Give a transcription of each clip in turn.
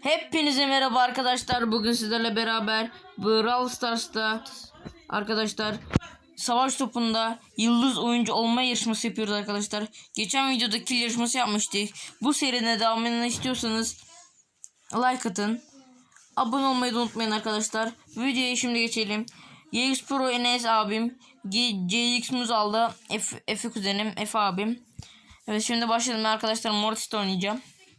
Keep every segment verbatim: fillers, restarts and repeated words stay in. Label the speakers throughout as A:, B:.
A: Hepinize merhaba arkadaşlar. Bugün sizlerle beraber Brawl Stars'ta arkadaşlar savaş topunda yıldız oyuncu olma yarışması yapıyoruz arkadaşlar. Geçen videoda kill yarışması yapmıştık. Bu serinin devamını istiyorsanız like atın. Abone olmayı da unutmayın arkadaşlar. Videoya şimdi geçelim. Y X Pro Enes abim, C X Muzal'da F, F kuzenim, F abim. Evet, şimdi başlayalım arkadaşlar. Mortis'te oynayacağım.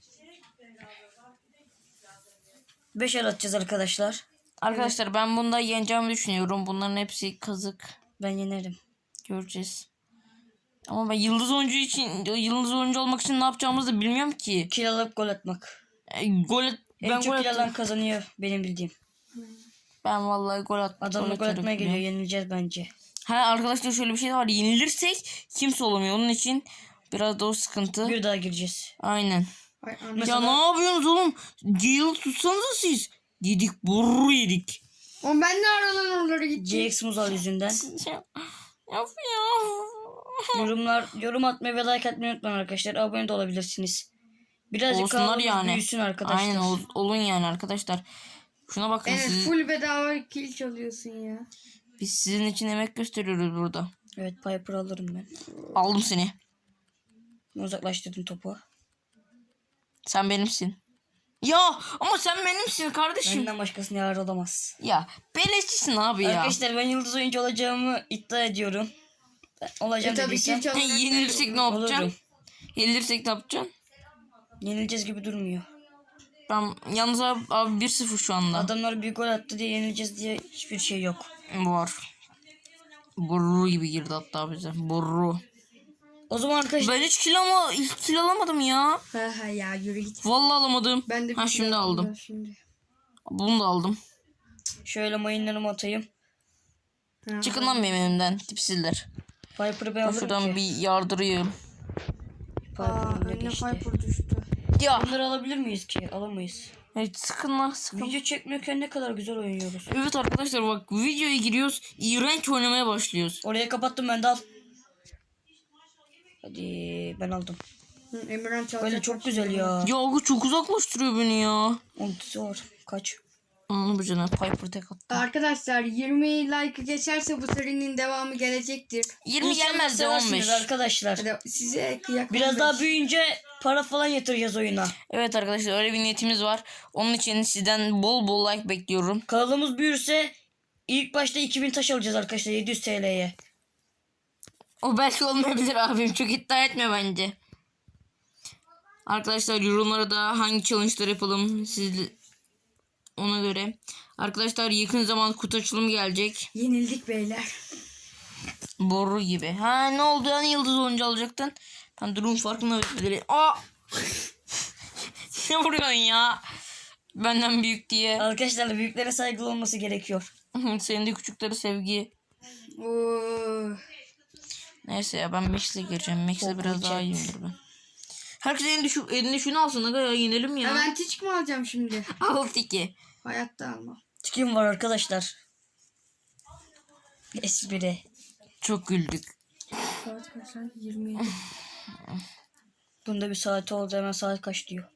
B: beş el atacağız arkadaşlar.
A: Arkadaşlar ben bunda yeneceğimi düşünüyorum. Bunların hepsi kazık.
B: Ben yenerim.
A: Göreceğiz. Ama ben yıldız oyuncu için, yıldız oyuncu olmak için ne yapacağımızı da bilmiyorum ki.
B: Kill alıp gol atmak.
A: E, gol et,
B: En
A: ben
B: çok
A: gol
B: kill alan
A: attım.
B: kazanıyor benim bildiğim.
A: Ben vallahi gol at.
B: Adamla gol
A: atarım
B: atmaya geliyor.
A: ya.
B: Yenileceğiz bence.
A: Ha arkadaşlar, şöyle bir şey de var. Yenilirsek kimse olamıyor. Onun için biraz da o sıkıntı.
B: Bir daha gireceğiz.
A: Aynen.
C: Ay,
A: Ya ne yapıyorsunuz oğlum? Gale'ı tutsanıza siz. Yedik, burru yedik.
C: Oğlum ben de aradan oralara gideceğim.
B: C X Muzal yüzünden.
A: Of ya.
B: Yorumlar, yorum atmayı ve like atmayı unutmayın arkadaşlar. Abone de olabilirsiniz. Birazcık
A: Olsunlar
B: kanalımız
A: yani.
B: büyüsün arkadaşlar.
A: Aynen ol, olun yani arkadaşlar. Şuna bakın,
C: Evet,
A: siz,
C: full bedava kill çalıyorsun ya.
A: biz sizin için emek gösteriyoruz burada.
B: Evet, Piper alırım ben.
A: Aldım seni.
B: Uzaklaştırdım topu.
A: Sen benimsin. Ya ama sen benimsin kardeşim.
B: Benden başkasını yar olamaz.
A: Ya beleşçisin abi ya.
B: Arkadaşlar ben yıldız oyuncu olacağımı iddia ediyorum. Ben olacağım
C: E tabii
B: dediysem
C: kill çalmak.
A: Yenilirsek ne yapacaksın?
B: olurum.
A: Yenilirsek ne yapacaksın?
B: Yenileceğiz gibi durmuyor.
A: Ben yalnız abi, abi bir sıfır şu anda.
B: Adamlar bir gol attı diye yenileceğiz diye hiçbir şey yok.
A: Var. Burru gibi girdi hatta bize. Burru.
B: O zaman arkadaşlar
A: Ben hiç kill, ama, hiç kill alamadım ya.
C: Ha ha ya, yürü git.
A: Vallahi alamadım.
C: Ben de
A: ha
C: bir
A: şimdi
C: kill
A: aldım.
C: aldım Şimdi.
A: Bunu da aldım.
B: şöyle mayınlarımı atayım.
C: Ha,
A: Çıkın lan benim önümden tipsizler.
B: Piper'ı ben
A: Ben
B: alırım
A: şuradan
B: ki.
A: bir yardırayım.
C: Aa,
B: Piper'ın da
C: önüne
B: geçti.
C: Piper düştü.
A: Ya.
B: Bunları alabilir miyiz ki? Alamayız.
A: Evet, sıkın lan sıkın.
B: Video çekmiyorken ne kadar güzel oynuyoruz.
A: Evet arkadaşlar, bak videoya giriyoruz. İğrenç oynamaya başlıyoruz.
B: Oraya kapattım ben de al. Hadi ben aldım.
C: Hı, Emirhan çalacak.
B: Böyle çok güzel ya.
A: Ya o çok uzaklaştırıyor beni ya.
B: Ultisi var. Kaç?
A: Anladın mı canım? Piper tek attı.
C: Arkadaşlar yirmi like geçerse bu serinin devamı gelecektir.
A: yirmi
B: İnşallah
A: gelmez de
B: seversiniz
A: on beş.
B: arkadaşlar.
C: Hadi size kıyak
B: Biraz
C: on beş.
B: daha büyüyünce para falan yatıracağız oyuna.
A: Evet arkadaşlar, öyle bir niyetimiz var. Onun için sizden bol bol like bekliyorum.
B: Kanalımız büyürse ilk başta iki bin taş alacağız arkadaşlar yedi yüz T L'ye.
A: O belki olmayabilir abim. Çok iddia etme bence. Arkadaşlar yorumlara da hangi challenge'lar yapalım siz ona göre. Arkadaşlar yakın zaman kutu açılımı gelecek.
C: Yenildik beyler.
A: Boru gibi. Ha ne oldu, yani yıldız oyuncu alacaktın. Ben durum farkında değilim. Aa! Ne vuruyorsun ya? Benden büyük diye.
B: Arkadaşlar büyüklere saygılı olması gerekiyor.
A: Senin de küçükleri sevgi.
C: Oo.
A: Neyse ya, ben Max'le gireceğim. Max'le
B: Çok
A: biraz daha
B: güzel.
A: iyiyimdir ben. Herkes elinde, şu, elinde şunu alsın. Aga ya, yenelim ya.
C: Ha, ben tiç mi alacağım şimdi?
A: Al tiki.
C: Hayatta almam.
B: Tikim var arkadaşlar. Espri.
A: Çok güldük.
C: Saat kaç lan? yirmi yedi.
B: Bunda bir saati oldu hemen saat kaç diyor.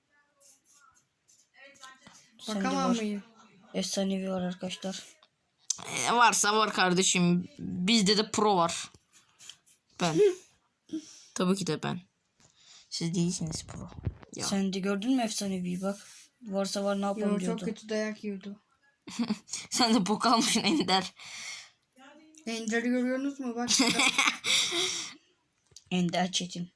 B: Sende
C: Bakamam
B: var.
C: mıyım?
B: Efsanevi var arkadaşlar.
A: Ee, varsa var kardeşim. Bizde de pro var. Ben. Tabii ki de ben. Siz değilsiniz pro. Ya.
B: Sen de gördün mü efsaneviyi bak. Varsa var ne yapalım
C: Yo,
B: diyordu.
C: çok kötü dayak yiyordu.
A: Sen de bok almışsın Ender.
C: Ender'i görüyorsunuz mu? Bak.
B: Ender Çetin.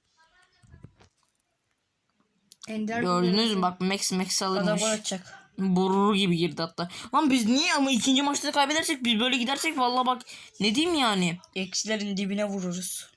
C: Ender
A: Gördünüz mü? Bak Max Max
B: Adam
A: alırmış.
B: gol atacak.
A: Borur gibi girdi hatta. Lan biz niye ama ikinci maçta da kaybedersek, biz böyle gidersek vallahi bak ne diyeyim yani.
B: Eksilerin dibine vururuz.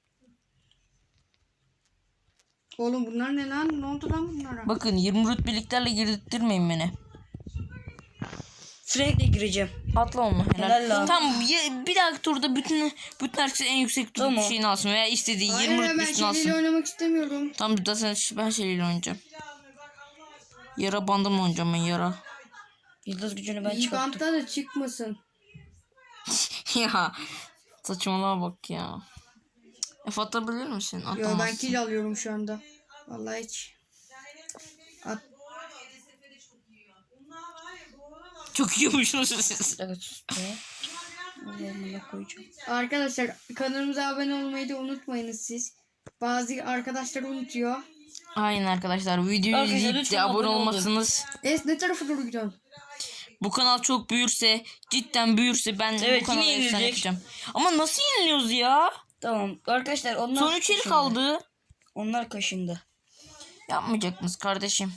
C: Oğlum bunlar ne lan? Ne oldu lan bunlara?
A: Bakın yirmi rütbeliklerle girdirtmeyin beni.
B: Frank'le gireceğim.
A: Atla onu. Helal.
B: Helal lan.
A: Tamam ya, bir dahaki turda bütün bütün herkes en yüksek tur
B: Tamam.
A: şeyini alsın veya istediği
C: Hayır
A: yirmi
C: ya, ben
A: rütbesini alsın.
C: şeyleri oynamak istemiyorum.
A: Tamam, zaten ben şeyle oynayacağım. Yara bandımla oynayacağım ben, yara.
B: Yıldız gücünü ben
C: İyi
B: çıkarttım.
C: bantta da çıkmasın.
A: Ya saçmalığa bak ya. F atabilir misin?
C: Yo, ben
A: Atamazsın.
C: kill alıyorum şu anda. Vallahi hiç. At.
A: Çok yiyormuşsunuz siz.
B: Evet sus be. Allah'ım koyacağım.
C: Arkadaşlar kanalımıza abone olmayı da unutmayınız siz. Bazı arkadaşlar unutuyor.
A: Aynen arkadaşlar. Videoyu
B: Arkadaşlar
A: izleyip
B: lütfen
A: de abone
B: abone olun.
A: olmazsınız.
C: Es ne tarafa doğru gidiyorsun?
A: Bu kanal çok büyürse, cidden büyürse ben
B: Evet,
A: bu kanalı
B: yine
A: efsane
B: yenilecek.
A: yapacağım. Ama nasıl yeniliyoruz ya?
B: Tamam arkadaşlar onlar
A: Son üç el
B: kaşındı.
A: kaldı.
B: Onlar kaşındı.
A: Yapmayacaktınız kardeşim.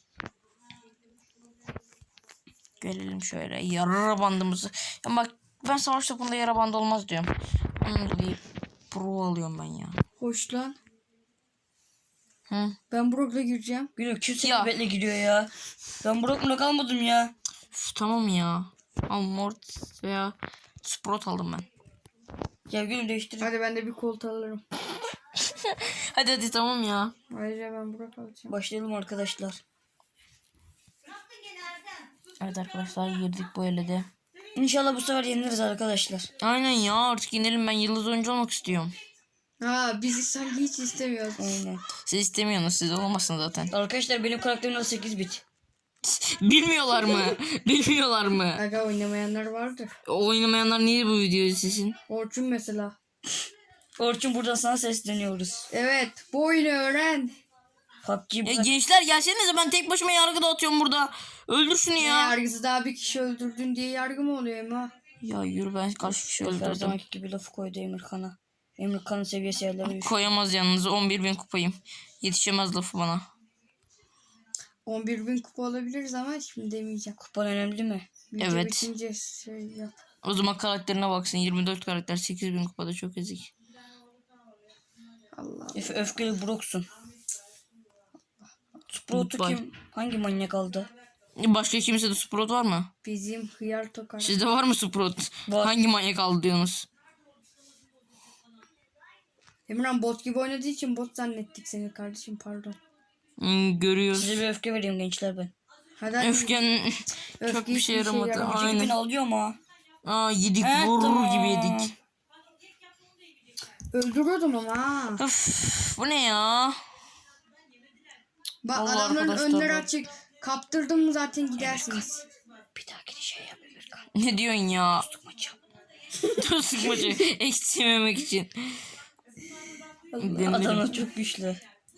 A: Gelelim şöyle yara bandımızı. Ya bak ben savaş topunda yara bandı olmaz diyorum. Onun dolayı pro alıyorum ben ya.
C: Hoş lan.
A: Hı.
C: Ben Brock'la gireceğim.
B: Gülüm kimse
A: Ya.
B: betle gidiyor ya. Ben Brock'la kalmadım ya.
A: Üf, tamam ya. Al mort veya Sprout aldım ben.
B: Ya gülüm değiştir.
C: Hadi ben de bir kolt alırım.
A: Hadi hadi tamam ya.
C: Ayrıca ben Brock alacağım.
B: Başlayalım arkadaşlar.
A: Evet arkadaşlar girdik bu ele de.
B: İnşallah bu sefer yeniliriz arkadaşlar.
A: Aynen ya artık inelim ben yıldız oyuncu olmak istiyorum.
C: Ha bizi sanki hiç istemiyoruz.
B: Aynen.
A: Siz istemiyorsunuz siz olamazsınız zaten.
B: Arkadaşlar benim karakterim sekiz bit.
A: Bilmiyorlar mı? Bilmiyorlar mı?
C: Aga oynamayanlar vardır.
A: Oynamayanlar niye bu videoyu izlesin?
C: Orçun mesela.
B: Orçun buradan sana sesleniyoruz.
C: Evet bu oyunu öğren.
B: P U B G
A: Ya
B: bırak.
A: gençler gelsenize ben tek başıma yargı dağıtıyorum burada. Öldür şunu
C: Ne
A: ya.
C: yargısı daha bir kişi öldürdün diye yargı mı oluyor Ema?
A: Ya yürü ben kaç kişi
B: Her
A: öldürdüm.
B: zamanki gibi lafı koydu Emirkan'a. Emirkan'ın seviyesi yerlere düştü.
A: Koyamaz yalnız on bir bin kupayım. Yetişemez lafı bana.
C: on bir bin kupa alabiliriz ama şimdi demeyeceğim.
B: Kupan önemli mi?
C: Video
A: Evet.
C: bitince şey yap.
A: O zaman karakterine baksın yirmi dört karakter sekiz bin kupada çok ezik.
C: Allah.
B: Öf öfkeli Brock'sun. Sprout'u
A: Goodbye.
B: kim? Hangi manyak aldı?
A: Başka kimsede Sprout var mı?
C: Bizim hıyar tokar.
A: Sizde var mı Sprout?
B: Var.
A: Hangi manyak aldı diyorsunuz?
C: Emran bot gibi oynadığı için bot zannettik seni kardeşim pardon.
A: Hmm, görüyoruz.
B: Size bir öfke vereyim gençler ben.
C: Hadi hadi.
A: Öfken çok
C: Öfke
A: bir şey
C: hiçbir şey
A: yaramadı.
C: yaramadı.
B: iki bin
A: Aynen.
B: alıyor mu?
A: Aa yedik
B: Evet,
A: vurur
B: tamam.
A: gibi yedik.
C: Öldürüyordum ama ha.
A: Öf bu ne ya?
C: Bak
A: Vallahi
C: adamların
A: arkadaşlar
C: önleri
A: bak.
C: açık. Kaptırdım mı zaten gidersiniz.
B: Bir dahaki şey yap Emirkan.
A: Ne diyorsun ya?
B: Maç yap.
A: Dur sıkmacı. Eksilmemek için. Demirim.
B: Adamlar çok güçlü.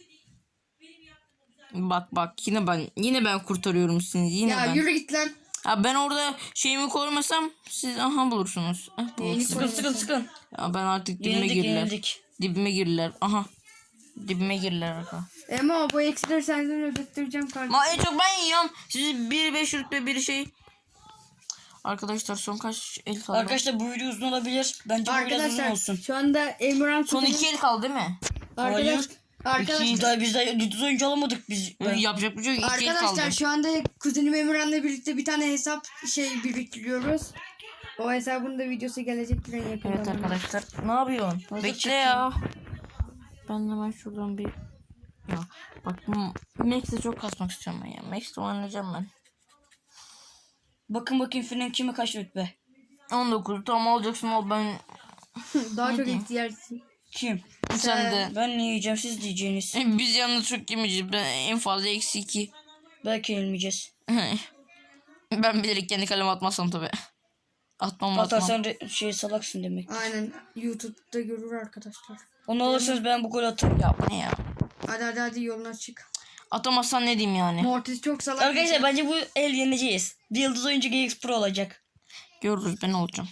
A: Bak bak yine ben yine ben kurtarıyorum sizi yine
C: Ya
A: ben.
C: yürü git lan.
A: Ha, ben orada şeyimi koymasam siz aha bulursunuz. Ah,
C: Neyini
A: bulursunuz.
B: Sıkın sıkın sıkın.
A: Ya ben artık dibime
B: Yenildik
A: girdiler.
B: yenildik.
A: Dibime girdiler. Aha. Dibime girdiler arka.
C: Ema bu eksileri senden ödettireceğim kardeşim.
A: Ma en çok ben yiyorum. Siz biri beş rütbe biri şey. Arkadaşlar son kaç el kaldı?
B: Arkadaşlar bu video uzun olabilir. Bence bu biraz uzun
C: Arkadaşlar
B: olsun.
C: şu anda Emran
A: Son iki el kaldı değil mi?
C: Arkadaş,
B: Hayır.
C: arkadaş,
B: Biz daha biz daha yüz oyuncu alamadık biz. Ben-
A: Yapacak bir şey yok. İki el kaldı.
C: arkadaşlar şu anda kuzenim Emran'la birlikte bir tane hesap şey biriktiriyoruz. O hesabın da videosu gelecektir en yakın
A: Evet
C: zamanda.
A: arkadaşlar. Ne yapıyorsun?
B: Hazır
A: Bekle
B: çıkayım.
A: ya. Ben hemen şuradan bir... Ya bak Max'e çok kasmak istiyorum ben ya. Max'te oynayacağım ben.
B: Bakın bakayım Fren kime kaç rütbe?
A: on dokuz tamam alacaksın al ben.
C: Daha çok
A: diyeyim?
C: ihtiyacısın.
B: Kim?
A: Sen de.
B: Ben ne yiyeceğim siz diyeceğiniz.
A: Biz yalnız çok yemeyeceğiz. Ben en fazla eksi iki.
B: Belki yenilmeyeceğiz.
A: Ben bilerek kendi kaleme atmazsam tabi. Atmam atmam.
B: Atarsan re- şey salaksın demek.
C: Aynen YouTube'da görür arkadaşlar.
B: Onu alırsanız ben bu golü atarım.
A: Ya bu ne ya?
C: Hadi hadi hadi yoluna çık.
A: Atamazsan ne diyeyim yani?
C: Mortis çok salak.
B: Arkadaşlar bence bu el yeneceğiz. Bir yıldız oyuncu G X Pro olacak.
A: Görürüz ben olacağım.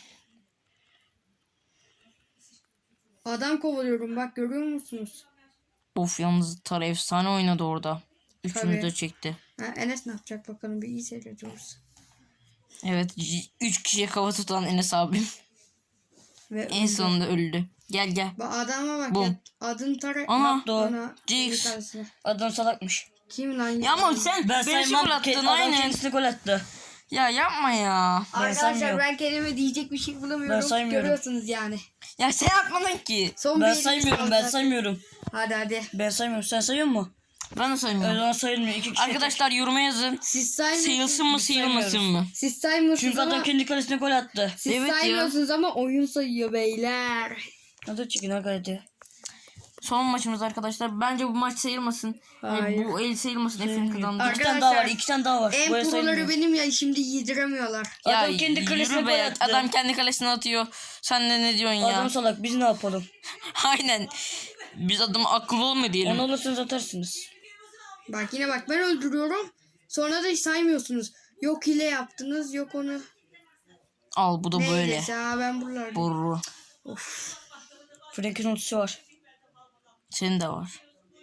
C: Adam kovalıyorum bak görüyor musunuz?
A: Of yalnız Tara efsane oynadı orada. Üçünü
C: Tabii.
A: de çekti.
C: Ha, Enes ne yapacak bakalım bir iyi seyrediyoruz.
A: Evet c- üç kişiye kafa tutan Enes abim.
C: Ve
A: En sonunda öldü. Gel gel.
C: bak adama bak
A: Bum.
C: ya. Adın Tara.
A: Ana.
B: Doğru.
C: Ana,
A: Jinx.
C: bir tanesine.
B: Adam salakmış.
C: Kim lan?
A: Ya ama sen
B: Ben
A: beşi
B: saymam.
A: gol
B: Ke-
A: attın
B: adam
A: aynen.
B: kendisine gol attı.
A: Ya yapma ya.
B: Ben
C: Arkadaşlar
B: saymıyorum.
C: ben kendime diyecek bir şey bulamıyorum.
B: Ben saymıyorum.
C: Görüyorsunuz yani.
A: Ya sen atmadın ki.
C: Son
B: Ben
C: bir
B: saymıyorum
C: elimiz
B: ben
C: kaldı.
B: saymıyorum.
C: Hadi hadi.
B: Ben saymıyorum. Sen sayıyor musun?
A: Ben de
B: O
A: saymıyorum.
B: zaman sayılmıyor. İki kişi.
A: Arkadaşlar yoruma yazın.
C: Siz saymıyorsunuz.
A: Sayılsın mı
B: Biz
A: sayılmasın
B: saymıyoruz.
A: mı?
C: Siz saymıyorsunuz
B: Çünkü
C: ama
B: adam kendi kalesine gol attı.
C: siz
A: Evet ya.
C: saymıyorsunuz ama oyun sayıyor beyler.
B: Hadi çıkın hadi.
A: Son maçımız arkadaşlar. Bence bu maç sayılmasın. Yani
C: Hayır.
A: bu el sayılmasın. Efe'nin kazandı.
B: İki tane daha var.
C: Arkadaşlar,
B: iki tane daha var.
C: En
B: Böyle
C: proları
B: sayılmıyor.
C: benim ya, şimdi yediremiyorlar.
A: Ya
B: Adam kendi
A: yürü
B: kalesine
A: be.
B: gol attı.
A: Adam kendi kalesine atıyor. Sen de ne diyorsun ya?
B: Adam salak, biz ne yapalım?
A: Aynen. Biz adamı akıllı olma diyelim.
B: Onu olursanız atarsınız.
C: Bak yine bak, ben öldürüyorum. Sonra da hiç saymıyorsunuz. Yok hile yaptınız, yok onu.
A: Al bu da
C: Ne
A: böyle.
C: hilesi ha, ben buralardayım.
A: Boru.
B: Frank'in ultisi var.
A: Senin de var.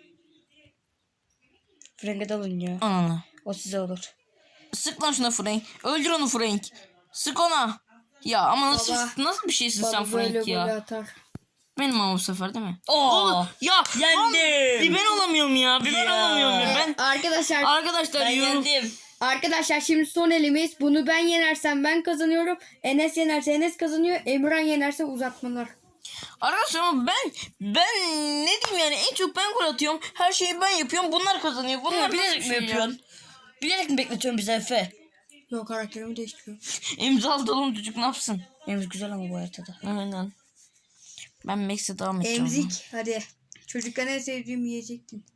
B: Frank'e dalın ya.
A: Ananı.
B: O size olur.
A: Sık lan şuna Frank. Öldür onu Frank. Sık ona. Ya ama nasıl
C: Baba.
A: nasıl bir şeysin sen
C: Baba böyle
A: Frank
C: golü
A: ya?
C: atar.
A: Benim ama bu sefer değil mi?
B: Oo.
A: Ya
B: Yendim.
A: lan, bir ben olamıyorum ya. Bir ben
B: Ya.
A: olamıyorum ya. Ben
C: Arkadaşlar
A: arkadaşlar
B: Ben
A: yorum.
B: yendim.
C: Arkadaşlar şimdi son elimiz. Bunu ben yenersem ben kazanıyorum. Enes yenerse Enes kazanıyor. Emirhan yenerse uzatmalar.
A: Arkadaşlar ama ben ben ne diyeyim yani en çok ben gol atıyorum. Her şeyi ben yapıyorum. Bunlar kazanıyor. Bunlar
B: Ya,
A: nasıl bir
B: bilerek mi
A: şey ya?
B: yapıyorsun? Bilerek mi bekletiyorsun bizi Efe?
C: Yok, karakterimi değiştiriyorum.
A: İmzalı oğlum çocuk ne yapsın?
B: Emz güzel ama bu haritada.
A: Aynen. Ben Max'e devam edeceğim.
C: Emzik hadi. Çocukken en sevdiğim yiyecektin.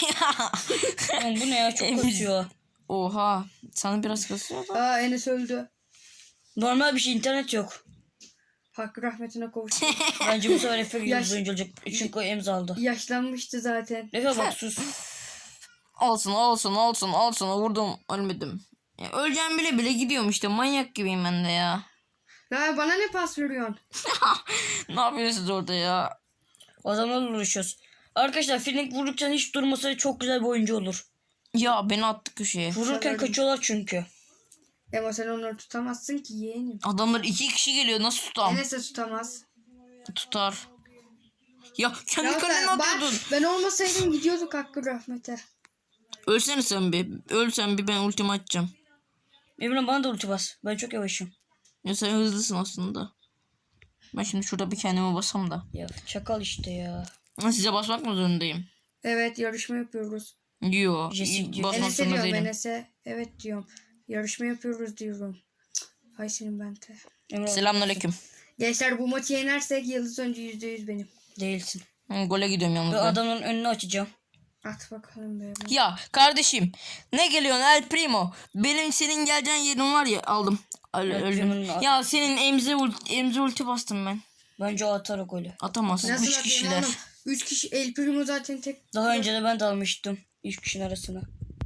B: Oğlum bu ne ya, çok
A: Emz-
B: kasıyor.
A: Oha. Sana biraz kasıyor da.
C: Aa, Enes öldü.
B: Normal bir şey, internet yok.
C: Hakkı rahmetine kavuştu.
B: Bence bu sefer Efe
C: Yaş-
B: gibi oyuncu olacak. Çünkü o emz aldı.
C: Yaşlanmıştı zaten.
B: Efe bak sus.
A: Olsun olsun olsun olsun vurdum ölmedim. Ya, öleceğim bile bile gidiyorum işte manyak gibiyim ben de ya.
C: Ya bana ne pas veriyorsun?
A: Ne yapıyorsunuz orada ya?
B: O zaman uğraşıyoruz. Arkadaşlar Frank vurdukça hiç durmasa çok güzel bir oyuncu olur.
A: Ya beni attı köşeye.
B: Vururken
C: Sanırım.
B: kaçıyorlar çünkü.
C: Ama sen onları tutamazsın ki yeğenim.
A: Adamlar iki kişi geliyor nasıl tutam?
C: Enes de tutamaz.
A: Tutar. Ya kendi
C: Ya
A: kalene
C: sen, ben,
A: atıyordun.
C: ben olmasaydım gidiyorduk Hakkı rahmete.
A: Ölsene sen bir. Ölsen bir ben ultimi atacağım.
B: Emre bana da ulti bas. Ben çok yavaşım.
A: Ya sen hızlısın aslında. Ben şimdi şurada bir kendime basam da.
B: Ya çakal işte ya.
A: Ben size basmak mı zorundayım?
C: Evet, yarışma yapıyoruz.
A: Yo.
B: Jesse diyor.
A: Basmak
C: Enes'e
A: zorunda
C: diyorum,
A: değilim.
C: Enes'e. Evet diyorum. Yarışma yapıyoruz diyorum. Cık, hay senin bente.
B: Emre
A: Selamünaleyküm.
C: Gençler bu maçı yenersek yıldız önce yüzde yüz benim.
B: değilsin.
A: Hı, Gole gidiyorum yalnız
B: Ve
A: ben.
B: adamın önünü açacağım.
C: At bakalım be.
A: Ya kardeşim ne geliyorsun El Primo? Benim senin geleceğin yerin var ya aldım. Öl-
B: El
A: öldüm.
B: Primo'nun-
A: Ya senin emze ulti, emze ulti bastım ben.
B: Bence o atar o golü.
A: Atamazsın.
C: Nasıl
A: Üç
C: atayım
A: kişiler.
C: oğlum? Üç kişi. El Primo zaten tek.
B: Daha önce de ben de almıştım. Üç kişinin arasına.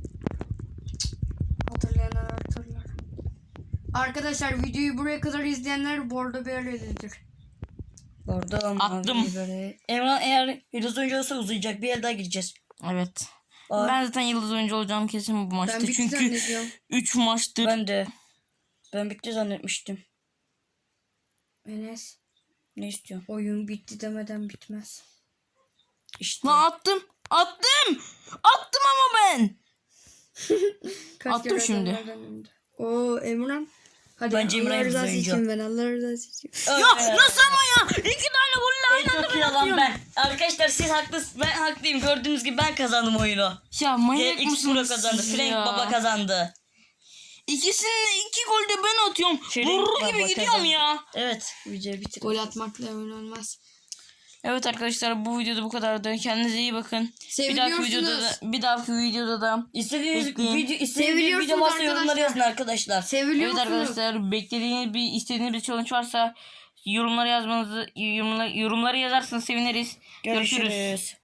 C: Hatırlayanlar hatırlar. Arkadaşlar videoyu buraya kadar izleyenler Bordo Bereli'dir.
B: Orada ama
A: Attım.
B: böyle. Emre eğer yıldız oyuncu olsa uzayacak. Bir el daha gireceğiz.
A: Evet.
B: Aa,
A: Ben zaten yıldız oyuncu olacağım kesin bu maçta.
C: Ben bitti
A: Çünkü
C: zannediyorum.
A: üç maçtır.
B: ben de. Ben bitti zannetmiştim.
C: Enes,
B: Ne istiyorsun?
C: oyun bitti demeden bitmez.
B: İşte.
A: Lan attım. Attım. Attım ama ben.
C: Kaç
A: Attım
C: kere
A: şimdi.
C: adamlardan önde. Oo Emran. Hadi
B: Bence
C: Allah
B: Emran
C: rızası
B: oyuncu.
C: için ben Allah rızası için.
A: Ya nasıl ama ya? İki tane golle aynı anda
B: Çok
A: ben
B: iyi alan
A: atıyorum.
B: ben. Arkadaşlar siz haklısınız. Ben haklıyım. Gördüğünüz gibi ben kazandım oyunu.
A: Ya manyak
B: X Pro
A: mısınız
B: kazandı.
A: siz
B: Frank
A: ya?
B: Baba kazandı.
A: İkisini iki golde ben atıyorum.
B: Frank
A: Vurur
B: Baba
A: gibi gidiyorum
B: kazandı.
A: ya.
B: Evet. Videoyu bitir.
C: Gol atmakla oyun olmaz.
A: Evet arkadaşlar bu videoda bu kadardı. Kendinize iyi bakın. Bir dahaki
C: Seviliyorsunuz.
A: videoda da, bir dahaki videoda da
B: İstediğiniz
A: Bekleyin.
B: video, istediğiniz bir
C: Seviliyorsunuz
B: video varsa yorumlara
C: arkadaşlar.
B: yazın arkadaşlar.
C: Seviliyor
A: evet
C: musunuz?
A: arkadaşlar beklediğiniz bir istediğiniz bir challenge varsa yorumlara yazmanızı yorumlara, yorumlara yazarsanız seviniriz. Görüşürüz.
B: Görüşürüz.